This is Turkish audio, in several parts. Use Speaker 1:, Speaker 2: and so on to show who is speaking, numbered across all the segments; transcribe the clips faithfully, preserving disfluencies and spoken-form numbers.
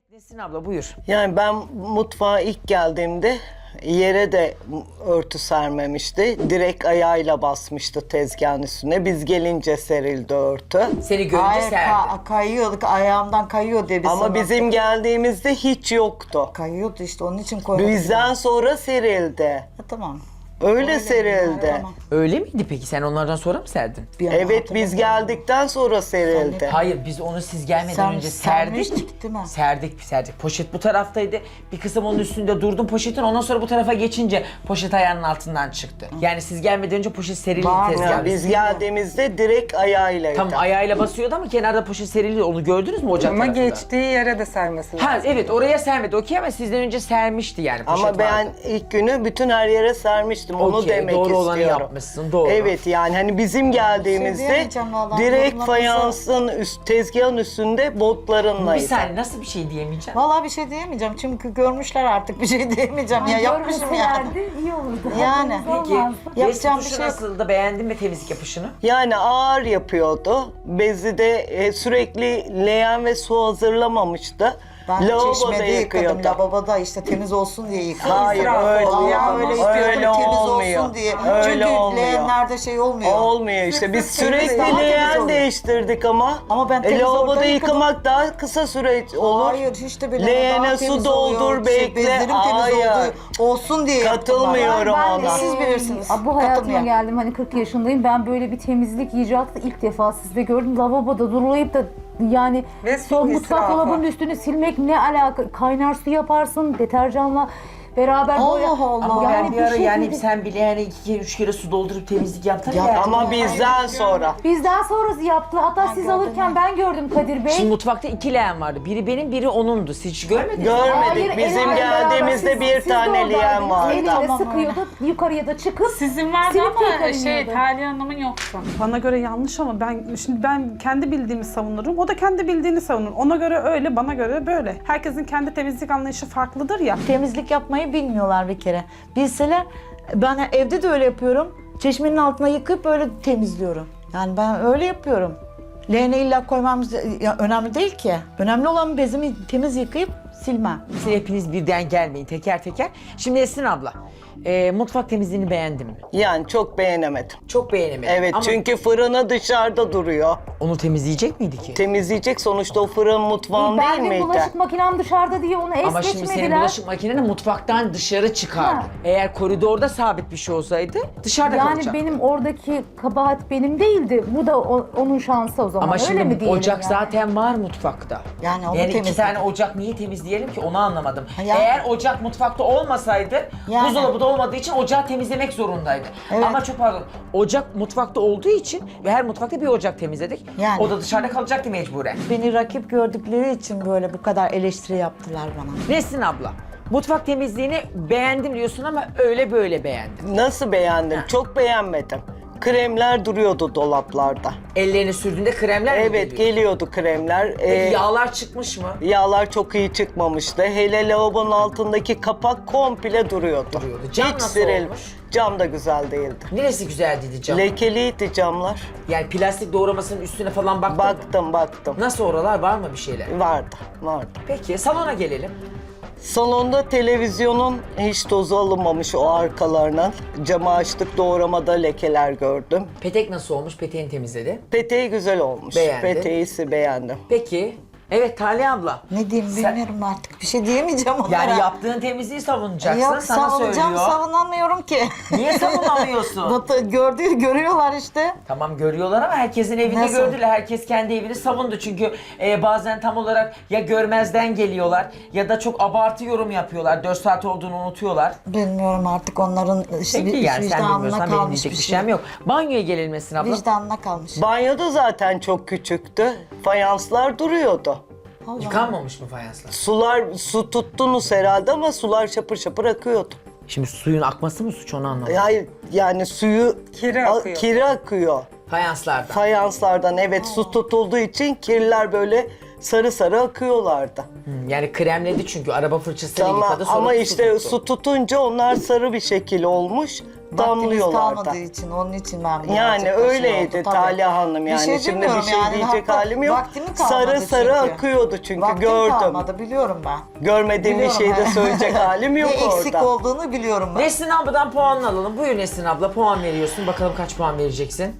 Speaker 1: Nesin abla buyur.
Speaker 2: Yani ben mutfağa ilk geldiğimde yere de örtü sermemişti. Direkt ayağıyla basmıştı tezgahın üstüne. Biz gelince serildi örtü.
Speaker 1: Seni görünce
Speaker 3: Hayır,
Speaker 1: serdi.
Speaker 3: ka- kayıyorduk, ayağımdan kayıyor diye biz
Speaker 2: Ama
Speaker 3: sana-
Speaker 2: bizim geldiğimizde hiç yoktu.
Speaker 3: Kayıyordu işte, onun için koyduk.
Speaker 2: Bizden sonra serildi.
Speaker 3: Ha, tamam.
Speaker 2: Öyle serildi.
Speaker 3: Tamam.
Speaker 1: Öyle miydi peki? Sen onlardan sonra mı serdin?
Speaker 3: Bir an
Speaker 2: Evet, biz
Speaker 3: hatırlamıyorum.
Speaker 2: geldikten sonra serildi.
Speaker 1: Hayır, biz onu siz gelmeden
Speaker 3: Sen-
Speaker 1: önce serdik.
Speaker 3: sermiştik, değil mi?
Speaker 1: Serdik, serdik. Poşet bu taraftaydı. Bir kısım onun üstünde durdum poşetin. Ondan sonra bu tarafa geçince poşet ayağının altından çıktı. Yani siz gelmeden önce poşet serildi
Speaker 3: Var.
Speaker 1: tezgahın
Speaker 2: Yani biz
Speaker 1: üstünde.
Speaker 2: geldiğimizde direkt ayağıylaydı.
Speaker 1: Tam ayağıyla basıyordu ama kenarda poşet serildi. Onu gördünüz mü ocak
Speaker 4: Ama
Speaker 1: tarafında?
Speaker 4: geçtiği yere de sermesi lazım.
Speaker 1: Ha evet, oraya sermedi okey ama sizden önce sermişti yani poşet
Speaker 2: Ama ben
Speaker 1: vardı.
Speaker 2: ilk günü bütün her yere sermiştim. Onu
Speaker 1: Okey,
Speaker 2: demek
Speaker 1: doğru
Speaker 2: istiyorum.
Speaker 1: olanı yapmışsın, doğru.
Speaker 2: Evet, yani hani bizim geldiğimizde
Speaker 3: diyemeyeceğim vallahi,
Speaker 2: direkt
Speaker 3: yorumlarınızı-
Speaker 2: fayansın üst, tezgahın üstünde
Speaker 1: Bir
Speaker 2: botlarınlaydı.
Speaker 1: saniye, nasıl bir şey diyemeyeceğim?
Speaker 3: Vallahi bir şey diyemeyeceğim çünkü görmüşler artık, bir şey diyemeyeceğim ya, yapmışım yani.
Speaker 5: Görmeselerdi iyi olurdu.
Speaker 3: Yani.
Speaker 5: Haberiniz
Speaker 1: Peki,
Speaker 5: olmazdı.
Speaker 3: Yapacağım
Speaker 1: bez
Speaker 3: bir
Speaker 1: tutuşu
Speaker 3: şey yok.
Speaker 1: nasıldı? Beğendin mi temizlik yapışını?
Speaker 2: Yani ağır yapıyordu. Bezi de e, sürekli leğen ve su hazırlamamıştı.
Speaker 3: Ben
Speaker 2: Lavaboda
Speaker 3: çeşmede yıkadım,
Speaker 2: yıkıyordu.
Speaker 3: lavaboda işte temiz olsun diye yıkadım.
Speaker 2: Hayır,
Speaker 4: İsraf
Speaker 2: öyle,
Speaker 4: oldu.
Speaker 3: Vallahi öyle
Speaker 4: Yanlış.
Speaker 3: yapıyordum,
Speaker 2: öyle
Speaker 3: temiz
Speaker 2: olmuyor.
Speaker 3: olsun diye.
Speaker 2: Öyle
Speaker 3: Çünkü
Speaker 2: olmuyor.
Speaker 3: leğenlerde şey olmuyor.
Speaker 2: Olmuyor işte. Biz
Speaker 3: Sırf temiz
Speaker 2: sürekli
Speaker 3: daha temiz
Speaker 2: leğen
Speaker 3: oluyor.
Speaker 2: değiştirdik ama.
Speaker 3: Ama ben
Speaker 2: e,
Speaker 3: temiz
Speaker 2: lavaboda
Speaker 3: orada yıkadım.
Speaker 2: yıkamak daha kısa süre olur.
Speaker 3: Hayır, hiç de bile
Speaker 2: Leğene
Speaker 3: daha
Speaker 2: su
Speaker 3: temiz
Speaker 2: doldur,
Speaker 3: oluyor.
Speaker 2: bekle.
Speaker 3: Şey, bezlerim temiz
Speaker 2: Hayır.
Speaker 3: oldu, olsun diye yaptım
Speaker 2: Katılmıyorum
Speaker 3: ben.
Speaker 2: ona.
Speaker 3: Siz bilirsiniz.
Speaker 5: Aa, Bu hayatıma
Speaker 3: Katılmıyorum.
Speaker 5: geldim, hani kırk yaşındayım. Ben böyle bir temizlik icraatı ilk defa sizde gördüm. Lavaboda durulayıp da yani
Speaker 4: Ve su
Speaker 5: son mutfak
Speaker 4: israfı.
Speaker 5: dolabının üstünü silmek ne alaka? Kaynar su yaparsın deterjanla beraber
Speaker 3: Allah
Speaker 5: boya.
Speaker 3: Allah.
Speaker 1: Ama ben bir ara
Speaker 5: şey
Speaker 1: yani
Speaker 5: değil.
Speaker 1: sen bile yani iki kere üç kere su doldurup temizlik yaptın
Speaker 3: Ya,
Speaker 1: ya.
Speaker 2: Ama bizden sonra.
Speaker 5: Bizden sonrası yaptı. Hatta siz
Speaker 3: gördüm
Speaker 5: alırken ben gördüm Kadir Bey.
Speaker 1: Şimdi mutfakta iki leğen vardı. Biri benim, biri onundu. Siz hiç görmediniz mi?
Speaker 2: Görmedik.
Speaker 5: Hayır,
Speaker 2: Bizim
Speaker 5: elinle
Speaker 2: geldiğimizde
Speaker 5: beraber
Speaker 2: bir
Speaker 5: siz- siz de
Speaker 2: tane leğen
Speaker 5: oradaydınız.
Speaker 2: vardı.
Speaker 5: Eliyle
Speaker 3: Tamam,
Speaker 5: sıkıyordu, yukarıya da çıkıp
Speaker 6: Sizin vardı
Speaker 5: silip
Speaker 6: ama
Speaker 5: tekrar
Speaker 6: şey
Speaker 5: iniyordu.
Speaker 6: Talya Hanım'ın yoktu.
Speaker 7: Bana göre yanlış ama ben şimdi ben kendi bildiğimi savunurum. O da kendi bildiğini savunur. Ona göre öyle, bana göre böyle. Herkesin kendi temizlik anlayışı farklıdır ya.
Speaker 8: Temizlik yapmayı bilmiyorlar bir kere. Bilseler, ben evde de öyle yapıyorum. Çeşmenin altına yıkayıp öyle temizliyorum. Yani ben öyle yapıyorum. Leğene illa koymamız ya, önemli değil ki. Önemli olan bezimi temiz yıkayıp silmem.
Speaker 1: Siz hepiniz birden gelmeyin teker teker. Şimdi Esin abla, e, mutfak temizliğini beğendin mi?
Speaker 2: Yani çok beğenemedim.
Speaker 1: Çok beğenemedim.
Speaker 2: Evet,
Speaker 1: ama
Speaker 2: çünkü fırını dışarıda duruyor.
Speaker 1: onu temizleyecek miydi ki?
Speaker 2: Temizleyecek, sonuçta o fırın mutfağın değil
Speaker 5: Ben de
Speaker 2: miydi?
Speaker 5: bulaşık makinem dışarıda diye onu es
Speaker 1: Ama şimdi senin
Speaker 5: geçmediler.
Speaker 1: bulaşık makineni mutfaktan dışarı çıkardı.
Speaker 5: Ha.
Speaker 1: Eğer koridorda sabit bir şey olsaydı dışarıda
Speaker 5: Yani
Speaker 1: kalacak.
Speaker 5: benim oradaki kabahat benim değildi. Bu da o- onun şansı o zaman.
Speaker 1: Ama
Speaker 5: Öyle
Speaker 1: şimdi
Speaker 5: mi diyelim
Speaker 1: ocak
Speaker 5: yani?
Speaker 1: zaten var mutfakta.
Speaker 3: Yani onu
Speaker 1: yani iki
Speaker 3: temizledim.
Speaker 1: tane ocak niye temizleyelim ki onu anlamadım.
Speaker 3: yani-
Speaker 1: Eğer ocak mutfakta olmasaydı,
Speaker 3: Yani.
Speaker 1: buzdolabı da olmadığı için ocağı temizlemek zorundaydı.
Speaker 3: Evet.
Speaker 1: Ama çok pardon, ocak mutfakta olduğu için ve her mutfakta bir ocak temizledik.
Speaker 3: Yani.
Speaker 1: O da dışarıda kalacaktı mecburen.
Speaker 8: Beni rakip gördükleri için böyle bu kadar eleştiri yaptılar bana.
Speaker 1: Nesrin abla, mutfak temizliğini beğendim diyorsun ama öyle böyle beğendim.
Speaker 2: Nasıl beğendim? Çok beğenmedim. Kremler duruyordu dolaplarda.
Speaker 1: Ellerini sürdüğünde kremler mi
Speaker 2: Evet,
Speaker 1: geliyor?
Speaker 2: geliyordu kremler.
Speaker 1: Peki
Speaker 2: Ee,
Speaker 1: yağlar çıkmış mı?
Speaker 2: Yağlar çok iyi çıkmamıştı. Hele lavabonun altındaki kapak komple duruyordu.
Speaker 1: Duruyordu. Cam
Speaker 2: Hiç
Speaker 1: nasıl
Speaker 2: siril-
Speaker 1: olmuş?
Speaker 2: Cam da güzel değildi.
Speaker 1: Neresi güzeldiydi cam?
Speaker 2: Lekeliydi camlar.
Speaker 1: Yani plastik doğramasının üstüne falan baktın mı?
Speaker 2: Baktım baktım.
Speaker 1: Nasıl oralar, var mı bir şeyler?
Speaker 2: Vardı, vardı.
Speaker 1: Peki salona gelelim.
Speaker 2: Salonda televizyonun hiç tozu alınmamış o arkalarından. Camı açtık, doğramada lekeler gördüm.
Speaker 1: Petek nasıl olmuş? Peteğini temizledi.
Speaker 2: Peteği güzel olmuş.
Speaker 1: Beğendin.
Speaker 2: Peteğisi beğendim.
Speaker 1: Peki. Evet Talya abla.
Speaker 3: Ne diyeyim
Speaker 1: Sen-
Speaker 3: bilmiyorum artık. Bir şey diyemeyeceğim onlara.
Speaker 1: Yani yaptığın temizliği savunacaksın.
Speaker 3: Yok,
Speaker 1: sana
Speaker 3: savunacağım,
Speaker 1: söylüyor.
Speaker 3: savunamıyorum ki.
Speaker 1: Niye savunamıyorsun?
Speaker 3: Batı gördüğü görüyorlar işte.
Speaker 1: Tamam görüyorlar ama herkesin evinde
Speaker 3: Nasıl?
Speaker 1: gördüler. Herkes kendi evini savundu. Çünkü e, bazen tam olarak ya görmezden geliyorlar ya da çok abartı yorum yapıyorlar. dört saat olduğunu unutuyorlar.
Speaker 3: Bilmiyorum artık onların işte
Speaker 1: Peki
Speaker 3: bir
Speaker 1: yani sen
Speaker 3: vicdanına
Speaker 1: bilmiyorsan benim
Speaker 3: kalmış
Speaker 1: diyecek
Speaker 3: bir
Speaker 1: bir
Speaker 3: şey.
Speaker 1: şeyim yok. Banyoya gelinmesin abla.
Speaker 3: Vicdanına kalmış.
Speaker 2: Banyoda zaten çok küçüktü. Fayanslar duruyordu.
Speaker 3: Allah.
Speaker 1: Yıkanmamış mı fayanslar?
Speaker 2: Sular, su tuttunuz herhalde ama sular şapır şapır akıyordu.
Speaker 1: Şimdi suyun akması mı suç onu anlamadım.
Speaker 2: Hayır, yani suyu
Speaker 4: Kiri
Speaker 2: a-
Speaker 4: akıyor.
Speaker 2: kiri akıyor.
Speaker 1: Fayanslardan.
Speaker 2: Fayanslardan, evet, su tutulduğu için kirler böyle sarı sarı akıyorlardı.
Speaker 1: Hmm, yani kremledi çünkü araba fırçasıyla
Speaker 2: Tamam,
Speaker 1: yıkadı sonra
Speaker 2: ama
Speaker 1: su
Speaker 2: işte
Speaker 1: tuttu.
Speaker 2: su tutunca onlar sarı bir şekil olmuş.
Speaker 8: Vaktimiz
Speaker 2: damlıyorlar da.
Speaker 8: kalmadığı için, onun için ben birazcık
Speaker 2: Yani
Speaker 8: da şey
Speaker 2: öyleydi
Speaker 8: oldu, tabii.
Speaker 2: Talya Hanım
Speaker 8: Bir
Speaker 2: yani.
Speaker 8: şey
Speaker 2: Şimdi bir
Speaker 8: demiyorum
Speaker 2: şey
Speaker 8: yani,
Speaker 2: diyecek
Speaker 8: hatta
Speaker 2: halim yok.
Speaker 8: vaktim kalmadı
Speaker 2: Sarı sarı
Speaker 8: çünkü.
Speaker 2: akıyordu çünkü
Speaker 8: Vaktim
Speaker 2: gördüm.
Speaker 8: kalmadı, biliyorum ben.
Speaker 2: Görmediğim bir
Speaker 8: Biliyorum
Speaker 2: şeyi de
Speaker 8: ben.
Speaker 2: söyleyecek halim yok
Speaker 8: Ne eksik
Speaker 2: orada.
Speaker 8: olduğunu biliyorum ben.
Speaker 1: Nesrin abladan puan alalım. Buyur Nesrin abla, puan veriyorsun. Bakalım kaç puan vereceksin?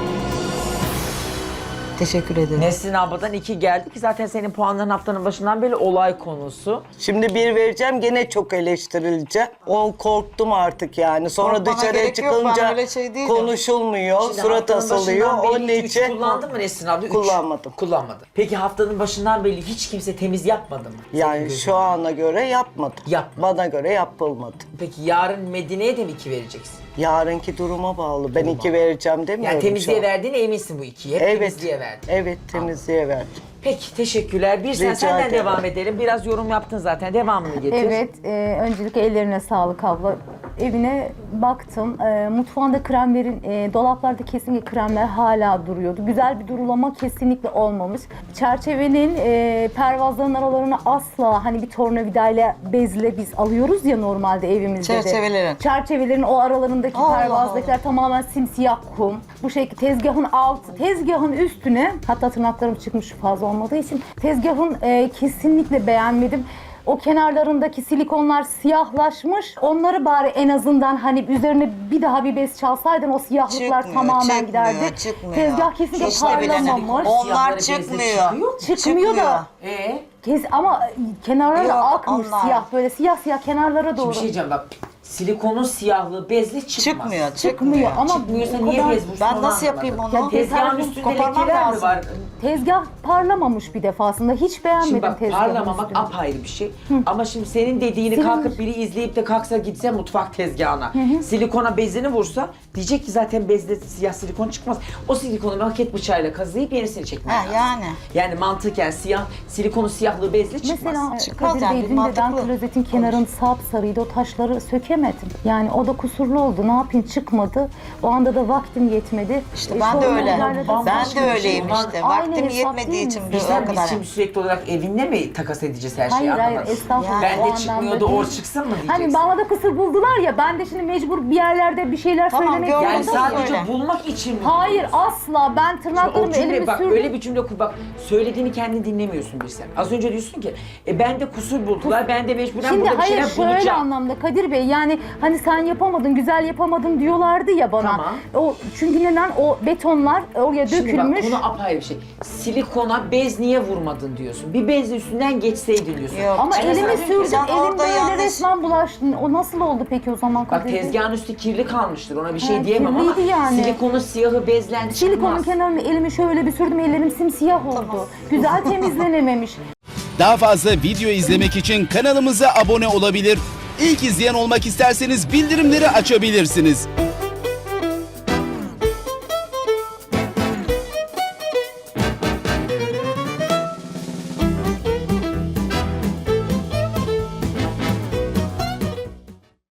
Speaker 8: Teşekkür ederim.
Speaker 1: Nesrin abladan iki geldi ki zaten senin puanların haftanın başından beri olay konusu.
Speaker 2: Şimdi bir vereceğim gene çok eleştirileceğim. O korktum artık yani. Sonra
Speaker 8: Korkmana
Speaker 2: dışarıya
Speaker 8: gerek yok, ben
Speaker 2: çıkınca
Speaker 8: öyle şey değilim.
Speaker 2: konuşulmuyor,
Speaker 1: Şimdi
Speaker 2: surat
Speaker 1: haftanın
Speaker 2: asılıyor.
Speaker 1: başından
Speaker 2: Onun
Speaker 1: beri hiç
Speaker 2: için
Speaker 1: kullandın mı Nesrin abla? Üç.
Speaker 2: Kullanmadım.
Speaker 1: Kullanmadı. Peki haftanın başından beri hiç kimse temiz yapmadı mı? Senin
Speaker 2: yani
Speaker 1: gözünde.
Speaker 2: şu ana göre yapmadım.
Speaker 1: Yapmadı.
Speaker 2: Bana göre yapılmadı.
Speaker 1: Peki yarın Medine'ye de mi iki vereceksin?
Speaker 2: Yarınki duruma bağlı. Ben iki vereceğim demiyorum
Speaker 1: Yani temizliğe
Speaker 2: şu an.
Speaker 1: verdiğine eminsin bu ikiyi. Hep
Speaker 2: Evet.
Speaker 1: temizliğe verdin.
Speaker 2: Evet temizliğe verdim.
Speaker 1: Peki teşekkürler. Bir sen
Speaker 2: Rica
Speaker 1: senden
Speaker 2: ederim.
Speaker 1: devam edelim. Biraz yorum yaptın zaten. Devamını getir.
Speaker 5: Evet, e, öncelikle ellerine sağlık abla. Evine baktım, e, mutfağında kremlerin, e, dolaplarda kesinlikle kremler hala duruyordu. Güzel bir durulama kesinlikle olmamış. Çerçevenin e, pervazların aralarına asla hani bir tornavidayla bezle biz alıyoruz ya normalde evimizde de.
Speaker 8: Çerçevelerin.
Speaker 5: Çerçevelerin o aralarındaki
Speaker 8: Allah
Speaker 5: pervazdakiler tamamen simsiyah kum. Bu şekilde tezgahın altı, tezgahın üstüne, hatta tırnaklarım çıkmış fazla olmadığı için tezgahın e, kesinlikle beğenmedim. O kenarlarındaki silikonlar siyahlaşmış. Onları bari en azından hani üzerine bir daha bir bez çalsaydın o siyahlıklar
Speaker 8: Çıkmıyor,
Speaker 5: tamamen
Speaker 8: çıkmıyor,
Speaker 5: giderdi.
Speaker 8: çıkmıyor.
Speaker 5: Tezgah kesinlikle
Speaker 8: Hiç de bile
Speaker 5: parlamamış.
Speaker 1: Siyahları
Speaker 8: Onlar
Speaker 1: bezle
Speaker 8: çıkmıyor.
Speaker 1: çıkıyor.
Speaker 5: Çıkmıyor da.
Speaker 1: Ee?
Speaker 5: Kes, ama kenarları
Speaker 8: Yok,
Speaker 5: akmış
Speaker 8: onlar.
Speaker 5: siyah, böyle siyah siyah kenarlara doğru.
Speaker 1: Bir şey diyeceğim bak. Silikonun siyahlığı bezle çıkmaz.
Speaker 8: Çıkmıyor,
Speaker 5: Çıkmıyor ama
Speaker 1: Çıkmıyorsa
Speaker 5: bu
Speaker 1: niye
Speaker 5: kadar-
Speaker 1: bez vursun
Speaker 8: Ben
Speaker 1: onu
Speaker 8: nasıl yapayım
Speaker 1: anlamadım.
Speaker 8: onu?
Speaker 1: Tezgahın
Speaker 5: Tezgahın
Speaker 1: üstünde
Speaker 8: koparmam
Speaker 1: lekeler mi
Speaker 8: lazım.
Speaker 1: var?
Speaker 5: Tezgah parlamamış bir defasında. Hiç beğenmedim
Speaker 1: Şimdi bak
Speaker 5: tezgahın
Speaker 1: parlamamak
Speaker 5: üstünü.
Speaker 1: apayrı bir şey. Ama şimdi senin dediğini
Speaker 5: Silinmiş.
Speaker 1: kalkıp biri izleyip de kalksa gitse mutfak tezgahına. Silikona bezini vursa diyecek ki zaten bezde siyah silikon çıkmaz. O silikonu maket bıçağıyla kazıyıp yenisini çekmek
Speaker 8: Ha,
Speaker 1: lazım.
Speaker 8: yani.
Speaker 1: Yani mantıken siyah, silikonun siyahlığı bezle çıkmaz.
Speaker 5: Mesela
Speaker 8: Çıkmaz
Speaker 5: Kadir
Speaker 8: yani,
Speaker 5: Bey
Speaker 8: bir
Speaker 5: dün de ben
Speaker 8: mantıklı.
Speaker 5: klozetin kenarını sapsarıydı. O taşları sökemedim. Yani o da kusurlu oldu. Ne yapayım, çıkmadı. O anda da vaktim yetmedi.
Speaker 8: İşte
Speaker 5: E,
Speaker 8: ben de
Speaker 5: sonra
Speaker 8: öyle.
Speaker 5: onlarla da-
Speaker 8: Ben
Speaker 1: bambaşka
Speaker 8: de
Speaker 1: bir şey.
Speaker 8: öyleyim
Speaker 1: Onlar
Speaker 8: işte.
Speaker 5: aynı
Speaker 8: Vaktim
Speaker 5: hesap
Speaker 8: yetmediği
Speaker 5: değil
Speaker 8: için
Speaker 5: mi?
Speaker 8: bir o
Speaker 1: Bizden
Speaker 8: kadar.
Speaker 1: biz şimdi sürekli olarak evinle mi takas edeceğiz her şeyi
Speaker 5: Hayır hayır
Speaker 1: anlamadım.
Speaker 5: estağfurullah.
Speaker 1: Ben
Speaker 5: o
Speaker 1: de
Speaker 5: anlamda
Speaker 1: çıkmıyordu,
Speaker 5: değil.
Speaker 1: or çıksın mı diyeceksin?
Speaker 5: Hani bana da kusur buldular ya, ben de şimdi mecbur bir yerlerde bir şeyler
Speaker 8: Tamam,
Speaker 5: söylemek
Speaker 8: gördüm.
Speaker 1: Yani
Speaker 5: zorundayım.
Speaker 1: sadece
Speaker 8: Öyle.
Speaker 1: bulmak için mi?
Speaker 5: Hayır
Speaker 1: buluyorsun?
Speaker 5: asla, ben
Speaker 1: O
Speaker 5: tırnaklarımı
Speaker 1: cümle
Speaker 5: elimi
Speaker 1: bak
Speaker 5: sürdüm.
Speaker 1: öyle bir cümle kur bak söylediğini kendin dinlemiyorsun bir sen. Az önce diyorsun ki e ben de kusur buldular ben de mecburen
Speaker 5: Şimdi
Speaker 1: burada bir
Speaker 5: hayır
Speaker 1: şeyler
Speaker 5: şöyle
Speaker 1: bulacağım.
Speaker 5: anlamda Kadir Bey, yani hani sen yapamadın, güzel yapamadın diyorlardı ya bana.
Speaker 1: Tamam.
Speaker 5: O çünkü neden o betonlar oraya
Speaker 1: Şimdi
Speaker 5: dökülmüş.
Speaker 1: bak konu apayrı bir şey. Silikona bez niye vurmadın diyorsun. Bir bezle üstünden geçseydin diyorsun.
Speaker 8: Yok.
Speaker 5: Ama
Speaker 1: Ben
Speaker 5: elimi
Speaker 1: sana-
Speaker 5: sürdüm,
Speaker 8: Sen
Speaker 5: elim
Speaker 8: orada
Speaker 5: böyle
Speaker 8: yanlış-
Speaker 5: resmen bulaştı. O nasıl oldu peki o zaman
Speaker 1: Bak
Speaker 5: Kadir Bey?
Speaker 1: tezgahın üstü kirli kalmıştır ona bir şey
Speaker 5: Ha,
Speaker 1: diyemem ama
Speaker 5: kirliydi yani.
Speaker 1: silikonun siyahı bezlen çıkmaz.
Speaker 5: Silikonun kenarını elimi şöyle bir sürdüm, ellerim simsiyah oldu. Güzel temizlenememiş.
Speaker 6: Daha fazla video izlemek için kanalımıza abone olabilir. İlk izleyen olmak isterseniz bildirimleri açabilirsiniz.